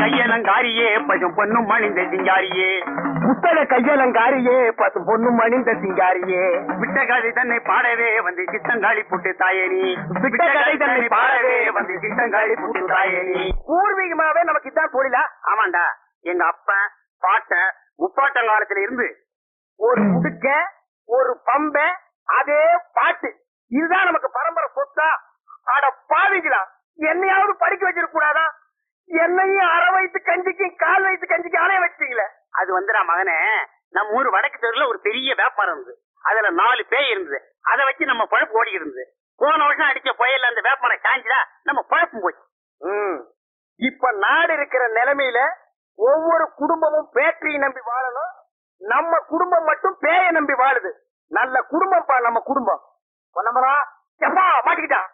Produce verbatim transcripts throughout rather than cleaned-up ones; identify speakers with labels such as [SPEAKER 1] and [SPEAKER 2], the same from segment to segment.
[SPEAKER 1] கையலங்காரியே பசும் பொண்ணும் மணிந்த சிங்காரியே புத்தக கையலங்காரியே பசும் பொண்ணும் மணிந்த சிங்காரியே விட்ட கதை தன்னை பாடவே வந்து சித்தங்காளி புட்டு தாயேனி விட்ட கதை தன்னை பாடவே வந்து சித்தங்காளி புட்டு தாயேனி. பூர்வீகமாவே நமக்கு இதான் தொழிலா? ஆமாண்டா, எங்க அப்பன் பாட்ட முப்பாட்டம் காலத்துல இருந்து ஒரு முடுக்க ஒரு பம்ப அதே பாட்டு இதுதான் நமக்கு பரம்பரை சொத்தா. அட பாவிங்களா, என்னையாவது படிக்க வச்சிருக்க கூடாதா? என்னையும் அரை வயசு கஞ்சிக்கும் கால் வயசு கஞ்சிக்கும் அலைய வச்சிட்டீங்களே. அது வந்து நான் மகனே, நம்ம ஊர் வடக்கு தெருல ஒரு பெரிய வியாபாரம் இருந்தது. அதுல நாலு பேய் இருந்தது. அதை வச்சு நம்ம பழப்பு ஓடி இருந்தது. போன வருஷம் அடிச்ச புயல்ல அந்த வியாபாரம் காஞ்சிடா நம்ம பழப்பும் போச்சு. இப்ப நாடு இருக்கிற நிலைமையில ஒவ்வொரு குடும்பமும் பேட்டரியை நம்பி வாழணும். நம்ம குடும்பம் மட்டும் பேய நம்பி வாழுது. நல்ல குடும்பம் பா நம்ம குடும்பம். மாட்டிக்கிட்டா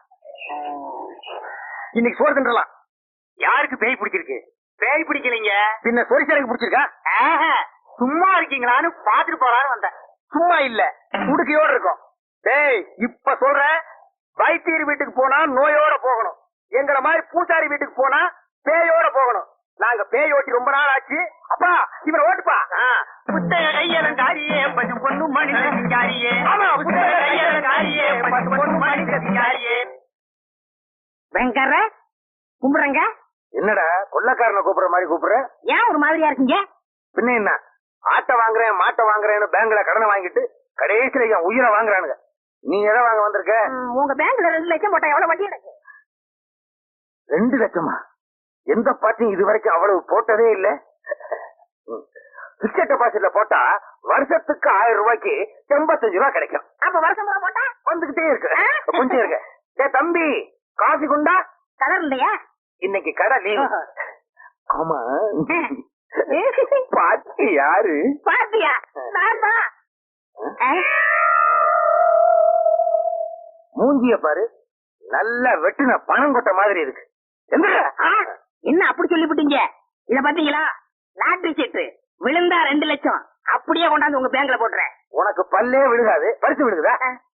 [SPEAKER 1] இன்னைக்கு சோறு தின்றலாம். யாருக்கு பேய் பிடிச்சிருக்கு? பேய் பிடிக்கலீங்க, பின்ன சொரிசலுக்கு பிடிச்சிருக்கா? சும்மா இருக்கீங்களான்னு பாத்துட்டு போறான்னு வந்தேன். சும்மா இல்ல, உடுக்கையோட இருக்கும். டேய், இப்ப சொல்ற, வைத்தியர் வீட்டுக்கு போனா நோயோட போகணும். எங்களை மாதிரி பூசாரி வீட்டுக்கு போனா பேயோட போகணும். நாங்க பேய் ஓட்டி ரொம்ப நாள் ஆச்சு. அப்பா இவரை ஓட்டுப்பா. புத்தக கையலங்காரியே பசும் பொண்ணு மணிந்த சிங்காரியே. ஆமா, புத்தக கையலங்காரியே பசும் பொண்ணு மணிந்த சிங்காரியே.
[SPEAKER 2] வெங்கர கும்பிடுறங்க.
[SPEAKER 1] என்னடா கொள்ளக்காரனை கூப்பிடுற மாதிரி கூப்பிடுற?
[SPEAKER 2] ஏன் ஒரு மாதிரியா இருக்கீங்க?
[SPEAKER 1] பின்ன என்ன, ஆட்டை வாங்குறேன் மாட்டை வாங்குறேன்னு பேங்க்ல கடனை வாங்கிட்டு கடைசியில என் உயிரை வாங்குறானுங்க. நீ எதை வாங்க வந்திருக்க?
[SPEAKER 2] உங்க பேங்க்ல ரெண்டு லட்சம் போட்டா எவ்வளவு வட்டி எனக்கு?
[SPEAKER 1] ரெண்டு லட்சமா? எந்த பார்ட்டியும் இது வரைக்கும் அவ்வளவு போட்டதே இல்ல. பிக்சட் டெபாசிட்ல போட்டா வருஷத்துக்கு ஆயிரம் ரூபாய்க்கு எண்பத்தஞ்சு ரூபாய் கிடைக்கும்.
[SPEAKER 2] அப்ப வருஷம் போட்டா
[SPEAKER 1] வந்துகிட்டே இருக்கு. கொஞ்சம் இருக்கு. ஏ தம்பி, காஃபி குண்டா?
[SPEAKER 2] கலர் இல்லையா?
[SPEAKER 1] இன்னைக்கு கடை லீவு. ஆமா, பாட்டி யாரு?
[SPEAKER 2] பாட்டியா?
[SPEAKER 1] மூஞ்சிய பாரு, நல்ல வெட்டுன பணம் கொட்ட மாதிரி இருக்கு.
[SPEAKER 2] என்ன அப்படி சொல்லிவிட்டீங்க? இத பாத்தீங்களா? லாட்டரி சீட்டு விழுந்தா ரெண்டு லட்சம் அப்படியே கொண்டாந்து உங்க பேங்க்ல போட்டுறேன்.
[SPEAKER 1] உனக்கு பல்லே விழுகாது, பரிசு விழுகுதா?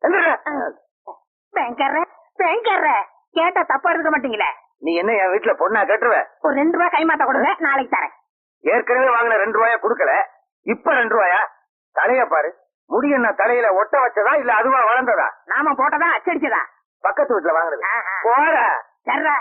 [SPEAKER 2] பேங்கர்ற பேங்கர்ற கேட்டா தப்பா இருக்க மாட்டீங்களே.
[SPEAKER 1] நீ என்ன என் வீட்டுல பொண்ணா கட்டுருவ?
[SPEAKER 2] ஒரு ரெண்டு ரூபாய் கைமாத்த கொடுங்க, நாளைக்கு தரேன்.
[SPEAKER 1] ஏற்கனவே வாங்கின ரெண்டு ரூபாயா குடுக்கல, இப்ப ரெண்டு ரூபாயா? தலைய பாரு, முடி என்ன தலையில ஒட்ட வச்சதா இல்ல அதுவா வளர்ந்ததா?
[SPEAKER 2] நாம போட்டதா அச்சடிச்சதா?
[SPEAKER 1] பக்கத்து வீட்டுல வாங்கினது. போற
[SPEAKER 2] சர்ற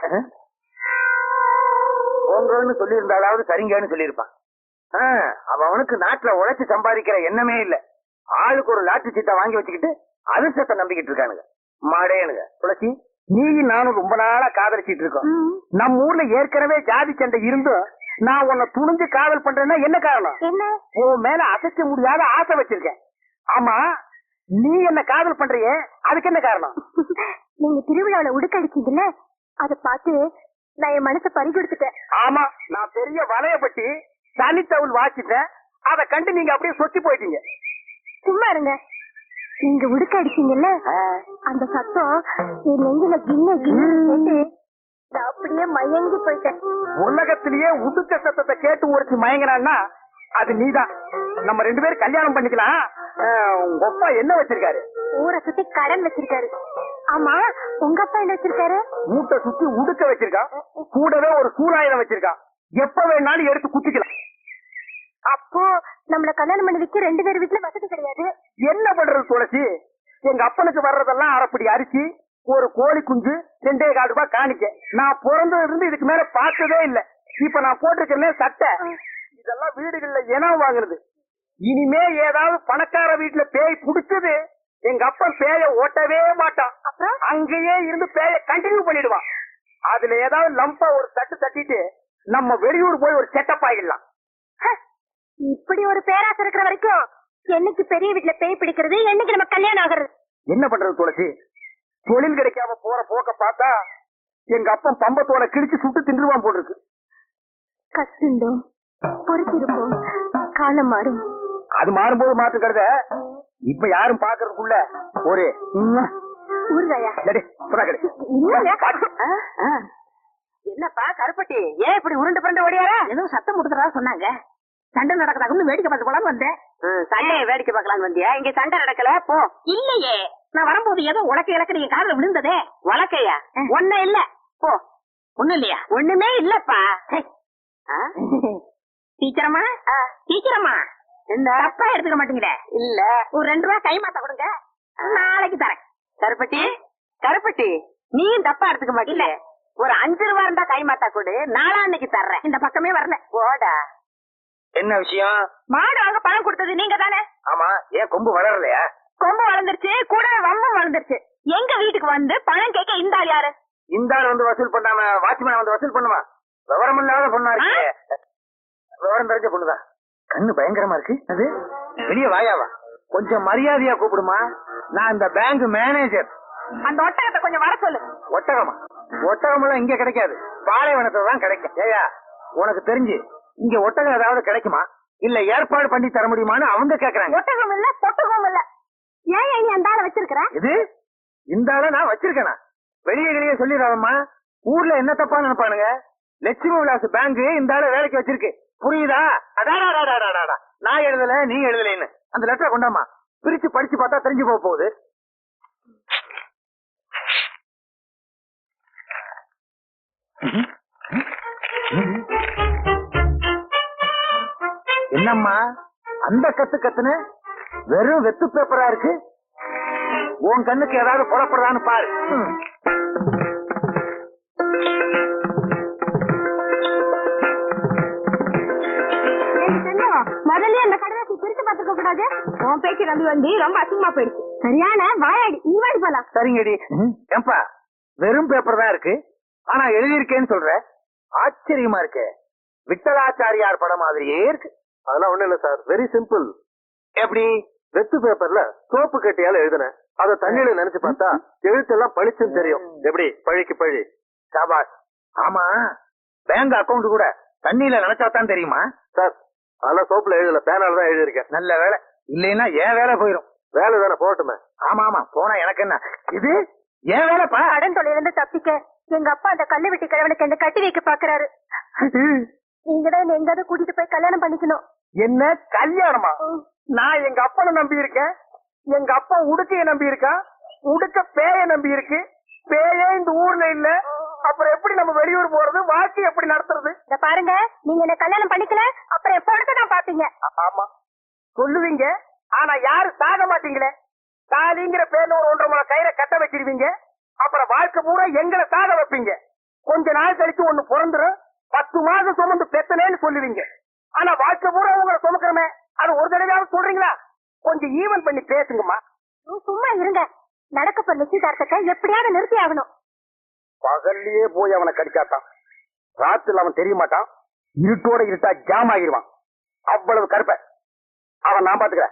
[SPEAKER 1] உங்கன்னு சொல்லி இருந்தாலாவது சரிங்கன்னு சொல்லியிருப்பான். அவனுக்கு நாட்டுல உழைச்சு சம்பாதிக்கிற எண்ணமே இல்ல. ஆளுக்கு ஒரு லாட்டரி சீட்டை வாங்கி வச்சுக்கிட்டு அதிர்ஷ்டத்தை நம்பிக்கிட்டு இருக்கானுங்க மாடேனுங்க. துளசி, நீ நானும் ரொம்ப நாளா காதலிச்சிட்டு இருக்கோம். நம்ம ஊர்ல ஏற்கனவே ஜாதி சண்டை இருந்தும் நான் உன்னை துணிஞ்சு காதல் பண்றேன்னா என்ன காரணம்?
[SPEAKER 2] என்ன?
[SPEAKER 1] உன் மேல அசைக்க முடியாத ஆசை வச்சிருக்கேன். ஆமா, நீ என்ன காதல் பண்றியே, அதுக்கு என்ன காரணம்?
[SPEAKER 2] நீங்க திருவிழாவில உடுக்கடிச்சீங்கல்ல, அத பார்த்து நான் என் மனசை பறி கொடுத்துட்டேன்.
[SPEAKER 1] ஆமா, நான் பெரிய வலைய பட்டி தனித்தவுள் வாசிட்டேன். அதை கண்டு நீங்க அப்படியே சொத்தி போயிட்டீங்க.
[SPEAKER 2] சும்மா இருங்க. நீங்க உடுக்க அடிச்சீங்கல்ல, அந்த சத்தம் என் நெஞ்சில கிண்ண கிண்ணு அப்படியே மயங்கி போயிட்டேன்.
[SPEAKER 1] உலகத்திலேயே உடுக்க சத்தத்தை கேட்டு ஒருத்தி மயங்கினான்னா அது நீதான். நம்ம ரெண்டு பேரும் கல்யாணம் பண்ணிக்கலாம். உங்க அப்பா என்ன வச்சிருக்காரு?
[SPEAKER 2] ஊரை சுத்தி கடன் வச்சிருக்காரு. ஆமா, உங்க அப்பா என்ன வச்சிருக்காரு?
[SPEAKER 1] மூட்டை சுத்தி உடுக்க வச்சிருக்கான். கூடவே ஒரு சூறாயுதம் வச்சிருக்கான். எப்ப வேணாலும் எடுத்து குத்திக்கலாம்.
[SPEAKER 2] அப்போ நம்மள கல்யாணம் பண்ணி வைக்க ரெண்டு பேர் வீட்டுல வசதி கிடையாது.
[SPEAKER 1] என்ன பண்றது துளசி? எங்க அப்பனுக்கு வர்றதெல்லாம் அரைப்படி அரிசி, ஒரு கோழி குஞ்சு, ரெண்டே கால் ரூபாய் காணிக்க. நான் பிறந்ததுல இருந்து இதுக்கு மேல பார்த்ததே இல்ல. இப்ப நான் போட்டிருக்கேன் சட்டை, இதெல்லாம் வீடுகள்ல இனம் வாங்குறது. இனிமே ஏதாவது பணக்கார வீட்டுல பேய் புடிச்சது, எங்க அப்பன் பேய ஓட்டவே மாட்டான். அங்கேயே இருந்து பேய கண்டினியூ பண்ணிடுவான். அதுல ஏதாவது லம்பா ஒரு தட்டு தட்டிட்டு நம்ம வெளியூர் போய் ஒரு செட்டப் ஆகிடலாம்.
[SPEAKER 2] இப்படி ஒரு பேராசை இருக்கிற வரைக்கும் என்னைக்கு பெரிய வீட்டுல பேய் பிடிக்கிறது, என்னைக்கு நம்ம கல்யாணம் ஆகுறது?
[SPEAKER 1] என்ன பண்றது துளசி? தொழில் கிடைக்காம போற போக்க பார்த்தா எங்க அப்பன் பம்பத்தோட கிழிச்சு சுட்டு தின்றுவான் போட்டிருக்கு.
[SPEAKER 2] கஷ்டம் பொறுத்திருப்போம், காலம் மாறும்.
[SPEAKER 1] அது மாறும்போது மாற்றுக்கிறத இப்ப யாரும் பாக்குறதுக்குள்ள ஒரு
[SPEAKER 2] என்னப்பா கருப்பட்டி, ஏன் இப்படி உருண்டு புரண்டு ஓடியாரா? ஏதோ சத்தம் கொடுத்துறதா சொன்னாங்க. சண்டை நடக்கதாக்குன்னு வேடிக்கை பார்த்து போலான்னு வந்தேன். சண்டையை வேடிக்கை பார்க்கலான்னு வந்தியா? இங்க சண்டை நடக்கல போ. இல்லையே, நான் வரும்போது ஏதோ உலக்க இலக்க நீங்க காதுல விழுந்ததே. உலக்கையா? ஒன்னும் இல்ல போ. ஒண்ணும் இல்லையா? ஒண்ணுமே இல்லப்பா. டீச்சரம்மா டீச்சரம்மா என்ன தப்பா எடுத்துக்க மாட்டீங்களே? இல்ல ஒரு ரெண்டு ரூபா கை மாத்த கொடுங்க, நாளைக்கு தரேன். கருப்பட்டி கருப்பட்டி நீயும் தப்பா எடுத்துக்க மாட்டீங்க. ஒரு அஞ்சு ரூபா இருந்தா கை மாத்தா கொடு, நாளான்னைக்கு தர்றேன். இந்த பக்கமே வரல போடா.
[SPEAKER 1] என்ன விஷயம்?
[SPEAKER 2] மாடு வாங்க பணம் கொடுத்தது நீங்க தானே?
[SPEAKER 1] ஆமா, ஏன் கொம்பு வளரலையா?
[SPEAKER 2] கொம்பு வளர்ந்துருச்சு, கூட வம்பும் வளர்ந்துருச்சு. எங்க வீட்டுக்கு வந்து பணம் கேட்க இந்த ஆள் யாரு?
[SPEAKER 1] இந்த ஆள் வந்து வசூல் பண்ணாம வாட்ச்மேன் வந்து வசூல் பண்ணுமா? விவரம் இல்லாத பொண்ணா இருக்கு. விவரம் தெரிஞ்ச பொண்ணுதான். கண்ணு பயங்கரமா இருக்கு. அது வெளியே வாயாவா? கொஞ்சம் மரியாதையா கூப்பிடுமா. நான் இந்த பேங்க் மேனேஜர்.
[SPEAKER 2] அந்த ஒட்டகத்தை கொஞ்சம் வர சொல்லு.
[SPEAKER 1] ஒட்டகமா? ஒட்டகம் எல்லாம் இங்க கிடைக்காது, பாலைவனத்துல தான் கிடைக்கும். ஏயா உனக்கு தெரிஞ்சு இங்க ஒட்டகம் ஏதாவது கிடைக்குமா? இல்ல ஏற்பாடு பண்ணி தர முடியுமான்னு அவங்க கேக்குறாங்க.
[SPEAKER 2] ஒட்டகம் இல்ல பொட்டகம் இல்ல. ஏன் நீ அந்த ஆளை வச்சிருக்கிற? இது
[SPEAKER 1] இந்த ஆளை நான் வச்சிருக்கேனா? வெளியே வெளியே சொல்லிடுறாங்கம்மா. ஊர்ல என்ன தப்பா நினைப்பானுங்க? லட்சுமி விலாஸ் பேங்க் இந்த ஆளை வேலைக்கு வச்சிருக்கு, புரியுதா? அடாடாடாடாடாடா, நான் எழுதல நீ எழுதலன்னு அந்த லெட்டரை கொண்டாமா, பிரிச்சு படிச்சு பார்த்தா தெரிஞ்சு போக போகுது. என்னம்மா அந்த கத்து கத்துன்னு வெறும் வெத்து பேப்பரா இருக்கு? உன் கண்ணுக்கு ஏதாவது புறப்படுறான்னு பாரு.
[SPEAKER 2] முதல்ல அந்த கடைசி பிரிச்சு பார்த்துக்க கூடாது. உன் பேச்சு நம்பி வந்து ரொம்ப அசிங்கமா போயிடுச்சு. சரியான வாயாடி, நீ வாடி போலாம்.
[SPEAKER 1] சரிங்கடி. ஏம்பா வெறும் பேப்பர் தான் இருக்கு, ஆனா எழுதியிருக்கேன்னு சொல்ற, ஆச்சரியமா இருக்கு. விட்டலாச்சாரியார் படம் மாதிரியே இருக்கு.
[SPEAKER 3] அதெல்லாம் ஒண்ணு இல்ல சார், வெரி சிம்பிள்.
[SPEAKER 1] எப்படி?
[SPEAKER 3] வெத்து பேப்பர்ல சோப்பு கட்டியால எழுதுனேன், அத தண்ணியில நினைச்சு பார்த்தா எழுத்தெல்லாம் பளிச்சுன்னு தெரியும். எப்படி பழிக்கு பழி.
[SPEAKER 1] சாபாஸ். ஆமா, பேங்க் அக்கவுண்ட் கூட தண்ணியில நினைச்சாதான் தெரியுமா?
[SPEAKER 3] சார் அதெல்லாம் சோப்புல எழுதல, பேனால தான் எழுதியிருக்கேன்.
[SPEAKER 1] நல்ல வேலை, இல்லைன்னா ஏன் வேலை போயிரும்.
[SPEAKER 3] வேலை தானே போட்டுமே.
[SPEAKER 1] ஆமா ஆமா, போனா எனக்கு என்ன? இது ஏன் வேலைப்பா?
[SPEAKER 2] கடன் தொழிலிருந்து தப்பிக்க எங்க அப்பா அந்த கல்லு வெட்டி கிழவனுக்கு என்ன கட்டி வைக்க பாக்குறாரு. நீங்கதான் எங்காவது கூட்டிட்டு போய் கல்யாணம் பண்ணிக்கணும்.
[SPEAKER 1] என்ன கல்யாணமா? நான் எங்க அப்பனை நம்பி இருக்கேன், எங்க அப்பா உடுக்கைய நம்பி இருக்கான், உடுக்க பேய நம்பி இருக்கு. பேயே இந்த ஊர்ல இல்ல, அப்புறம் எப்படி நம்ம வெளியூர் போறது, வாழ்க்கை எப்படி நடத்துறது?
[SPEAKER 2] இத பாருங்க, நீங்க என்ன கல்யாணம் பண்ணிக்கல அப்புறம் எப்ப எடுத்து நான் பாப்பீங்க.
[SPEAKER 1] ஆமா சொல்லுவீங்க, ஆனா யாரு சாக மாட்டீங்களே. தாலிங்கிற பேர்ல ஒரு ஒன்றரை முறை கயிறை கட்ட வச்சிருவீங்க, அப்புறம் வாழ்க்கை பூரா எங்களை சாக வைப்பீங்க. கொஞ்ச நாள் கழிச்சு ஒண்ணு பிறந்துரும், பத்து மாசம் சுமந்து பெத்தனேன்னு சொல்லுவீங்க. ஆனா வாழ்க்கை பூரா உங்களை சுமக்கிறமே, அது ஒரு தடவையாவது சொல்றீங்களா? கொஞ்சம் ஈவன் பண்ணி பேசுங்கம்மா.
[SPEAKER 2] சும்மா இருங்க, நடக்க போற நிச்சயதார்த்தத்தை எப்படியாவது நிறுத்தி ஆகணும்.
[SPEAKER 1] பகல்லையே போய் அவனை கடிச்சாத்தான் ராத்திரில அவன் தெரிய மாட்டான், இருட்டோட இருட்டா ஜாம் ஆகிருவான். அவ்வளவு கருப்ப அவன் நான் பாத்துக்கிறேன்.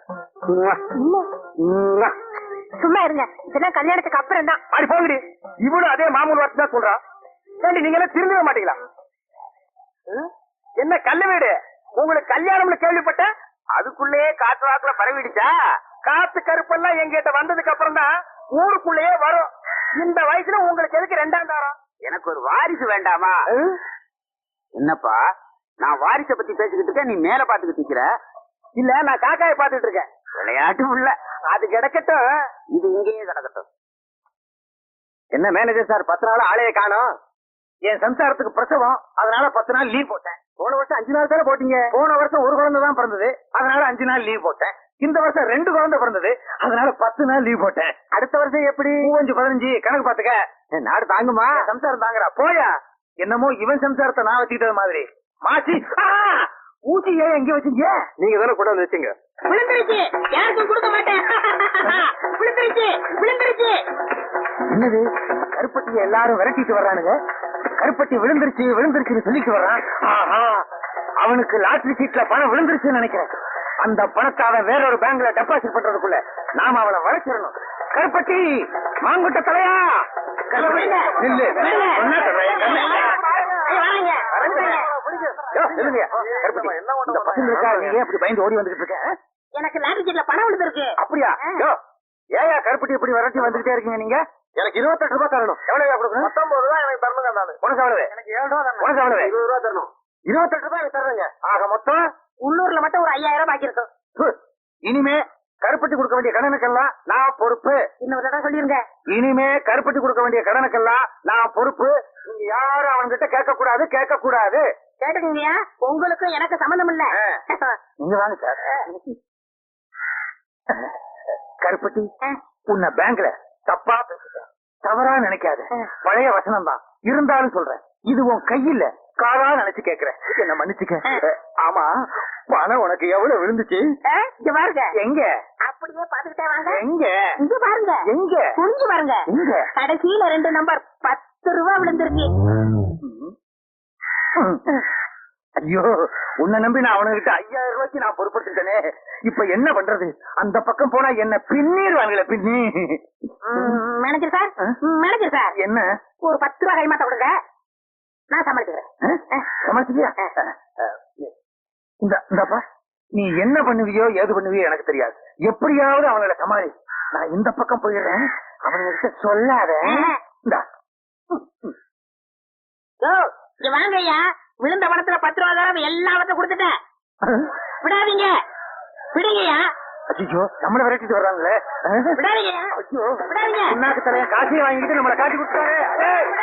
[SPEAKER 2] சும்மா இருங்க, இதெல்லாம் கல்யாணத்துக்கு அப்புறம் தான்.
[SPEAKER 1] அப்படி போகுது. இவனும் அதே மாமூல் வார்த்தை தான் சொல்றான். சரி, நீங்க எல்லாம் திரும்பவே மாட்டீங்களா? என்ன கல்லு வீடு, உங்களுக்கு கல்யாணம்னு கேள்விப்பட்ட அதுக்குள்ளேயே காற்று வாக்குல பரவிடுச்சா? காத்து கருப்பெல்லாம் எங்கிட்ட வந்ததுக்கு அப்புறம் தான் ஊருக்குள்ளேயே வரும். இந்த வயசுல உங்களுக்கு எதுக்கு ரெண்டாம் தாரம்? எனக்கு ஒரு வாரிசு வேண்டாமா? என்னப்பா, நான் வாரிசை பத்தி பேசிக்கிட்டு இருக்கேன், நீ மேல பாத்துக்கிட்டு இருக்கிற. இல்ல, நான் காக்காயை பாத்துட்டு இருக்கேன். விளையாட்டும் இல்ல, அது கிடக்கட்டும், இது இங்கேயே கிடக்கட்டும். என்ன மேனேஜர் சார், பத்து நாள் ஆளைய காணோம். என் சம்சாரத்துக்கு பிரசவம், அதனால பத்து நாள் லீவ் போட்டேன். போன வருஷம் அஞ்சு நாள் தானே போட்டீங்க. போன வருஷம் ஒரு குழந்தை தான் பிறந்தது, அதனால அஞ்சு நாள் லீவ் போட்டேன். இந்த வருஷம் ரெண்டு குழந்தை பிறந்தது, அதனால பத்து நாள் லீவ் போட்டேன். அடுத்த வருஷம் எப்படி? மூவஞ்சு பதினஞ்சு கணக்கு பாத்துக்க. நாடு தாங்குமா? சம்சாரம் தாங்குறா. போயா, என்னமோ இவன் சம்சாரத்தை நான் வச்சுக்கிட்டது மாதிரி. மாசி ஊசி ஏன் எங்க வச்சீங்க?
[SPEAKER 3] நீங்க தானே கூட வந்து வச்சீங்க.
[SPEAKER 2] விழுந்துருச்சு, யாருக்கும் கொடுக்க மாட்டேன். விழுந்துருச்சு விழுந்துருச்சு.
[SPEAKER 1] என்னது, கருப்பட்டியை எல்லாரும் விரட்டிட்டு வர்றானுங்க. கருப்பட்டி விழுந்துருச்சு விழுந்துருச்சுன்னு சொல்லிட்டு வர்றான். ஆஹா, அவனுக்கு லாட்டரி சீட்ல பணம் விழுந்துருச்சுன்னு நினைக்கிறேன். அந்த பணத்தை அவன் வேற ஒரு பேங்க்ல டெபாசிட் பண்றதுக்குள்ள நாம அவளை வளைச்சிடணும். கருப்பட்டி, மாங்குட்ட தலையா, நில்லு. என்ன சொல்றேன்? கருப்பட்டி, இந்த பசங்களுக்கா நீங்க அப்படி பயந்து ஓடி வந்துகிட்டு இருக்க?
[SPEAKER 2] எனக்கு லாட்டரி சீட்ல பணம் விழுந்திருக்கு.
[SPEAKER 1] அப்படியா? ஏயா கருப்பட்டி இப்படி விரட்டி வந்துகிட்டே இருக்கீங்க நீங்க? எனக்கு இருபத்தெட்டு ரூபாய் தரணும். எவ்வளவு கொடுக்கணும்? பத்தொன்பது ரூபாய் எனக்கு தரணுங்க. நானு உனக்கு எவ்வளவு? எனக்கு ஏழு ரூபாய் தரணும். உனக்கு எவ்வளவு? இருபது ரூபாய் தரணும். இருபத்தெட்டு ரூபாய் எனக்கு தர்றேங்க. ஆக மொத்தம்
[SPEAKER 2] உள்ளூர்ல மட்டும் ஒரு ஐயாயிரம் பாக்கி இருக்கும்.
[SPEAKER 1] இனிமே கருப்பட்டி கொடுக்க வேண்டிய கடனுக்கெல்லாம் நான் பொறுப்பு.
[SPEAKER 2] இன்னொரு தடவை சொல்லிருங்க.
[SPEAKER 1] இனிமே கருப்பட்டி கொடுக்க வேண்டிய கடனுக்கெல்லாம் நான் பொறுப்பு. நீங்க யாரும் அவன்கிட்ட கேட்க கூடாது, கேட்க கூடாது.
[SPEAKER 2] கேட்டுக்கீங்கயா, உங்களுக்கும் எனக்கு சம்பந்தம் இல்ல.
[SPEAKER 3] நீங்க வாங்க சார். கருப்பட்டி, உன்னை பேங்க்ல தப்பா பேசுறேன், தவறா நினைக்காத. பழைய வசனம் தான் இருந்தாலும் சொல்றேன், இது உன் கையில காரா நினைச்சு கேக்குறேன், என்ன மன்னிச்சுக்க. ஆமா, பணம் உனக்கு எவ்வளவு விழுந்துச்சு?
[SPEAKER 2] இங்க பாருங்க.
[SPEAKER 3] எங்க?
[SPEAKER 2] அப்படியே பாத்துக்கிட்டே வாங்க.
[SPEAKER 3] எங்க?
[SPEAKER 2] இங்க பாருங்க.
[SPEAKER 3] எங்க?
[SPEAKER 2] புரிஞ்சு பாருங்க.
[SPEAKER 3] எங்க?
[SPEAKER 2] கடைசியில ரெண்டு நம்பர் பத்து ரூபா விழுந்திருக்கு.
[SPEAKER 3] ஐயோ, உன்னை நம்பி நான் அவனுகிட்ட ஐயாயிரம் ரூபாய்க்கு நான் பொறுப்படுத்திட்டேனே. இப்ப என்ன பண்றது? அந்த பக்கம் போனா என்ன பின்னிடுவாங்களே, பின்னி.
[SPEAKER 2] மேனேஜர் சார், மேனேஜர் சார்,
[SPEAKER 3] என்ன?
[SPEAKER 2] ஒரு பத்து ரூபா கைமாத்த கொடுங்க, நான் சமாளிக்கிறேன்.
[SPEAKER 3] சமாளிச்சியா? இந்தப்பா, நீ என்ன பண்ணுவியோ ஏது பண்ணுவியோ எனக்கு தெரியாது. எப்படியாவது அவங்கள சமாளி. நான் இந்த பக்கம் போயிடுறேன், அவனுங்கிட்ட சொல்லாத.
[SPEAKER 2] வாங்க ஐயா, விழுந்த பணத்துல பத்து ரூபா தரம் எல்லாவற்றையும் கொடுத்துட்டேன். விடாதீங்க, விடுங்கய்யா.
[SPEAKER 3] ஐயோ, நம்மள விரட்டிட்டு வர்றாங்களே.
[SPEAKER 2] விடாதீங்க,
[SPEAKER 3] ஐயோ,
[SPEAKER 2] விடாதீங்க.
[SPEAKER 3] காசையும் வாங்கிட்டு நம்மளை காட்டி கொடுத்தாரு.